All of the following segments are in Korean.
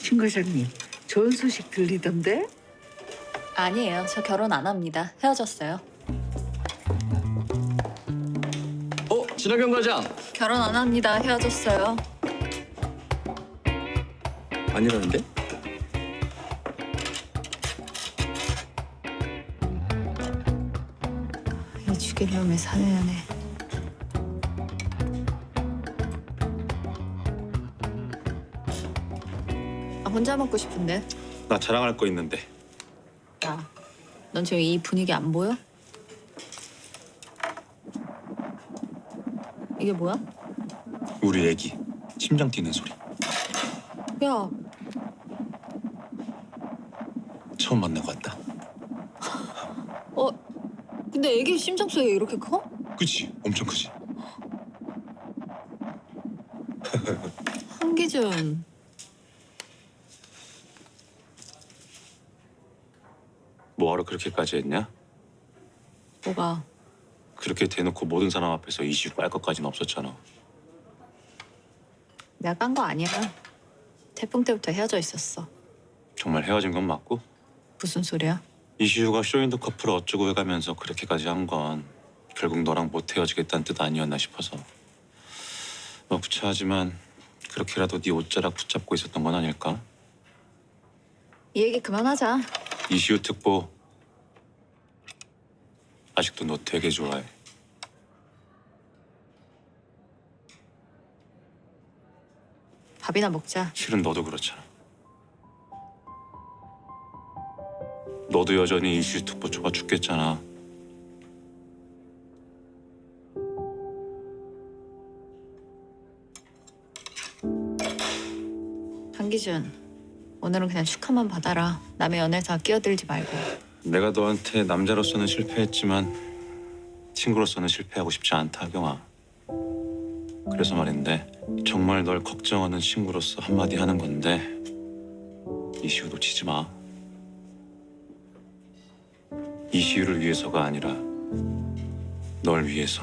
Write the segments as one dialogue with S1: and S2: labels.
S1: 김 과장님, 좋은 소식 들리던데?
S2: 아니에요. 저 결혼 안 합니다. 헤어졌어요.
S3: 진학경 과장.
S2: 결혼 안 합니다. 헤어졌어요.
S3: 아니라는데?
S2: 이 죽이려면 사내연애. 혼자 먹고 싶은데.
S3: 나 자랑할 거 있는데.
S2: 야, 넌 지금 이 분위기 안 보여? 이게 뭐야?
S3: 우리 애기 심장 뛰는 소리.
S2: 야,
S3: 처음 만나고 왔다.
S2: 근데 애기 심장 소리가 이렇게 커?
S3: 그치? 엄청 크지?
S2: 한기준.
S3: 뭐하러 그렇게까지 했냐?
S2: 뭐가?
S3: 그렇게 대놓고 모든 사람 앞에서 이슈 깔 것까지는 없었잖아.
S2: 내가 깐 거 아니야. 태풍 때부터 헤어져 있었어.
S3: 정말 헤어진 건 맞고?
S2: 무슨 소리야?
S3: 이슈가 쇼윈도 커플을 어쩌고 해가면서 그렇게까지 한 건 결국 너랑 못 헤어지겠다는 뜻 아니었나 싶어서. 뭐 구차하지만 그렇게라도 네 옷자락 붙잡고 있었던 건 아닐까?
S2: 이 얘기 그만하자.
S3: 이슈 특보 아직도 너 되게 좋아해.
S2: 밥이나 먹자.
S3: 실은 너도 그렇잖아. 너도 여전히 이슈 특보 좋아 죽겠잖아.
S2: 한기준, 오늘은 그냥 축하만 받아라. 남의 연애에 다 끼어들지 말고.
S3: 내가 너한테 남자로서는 실패했지만 친구로서는 실패하고 싶지 않다, 하경아. 그래서 말인데 정말 널 걱정하는 친구로서 한마디 하는 건데 이시우 놓치지 마. 이시우를 위해서가 아니라 널 위해서.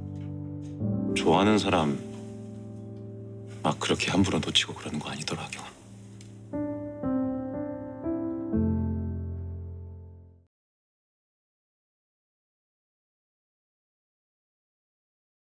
S3: 좋아하는 사람 막 그렇게 함부로 놓치고 그러는 거 아니더라, 하경아.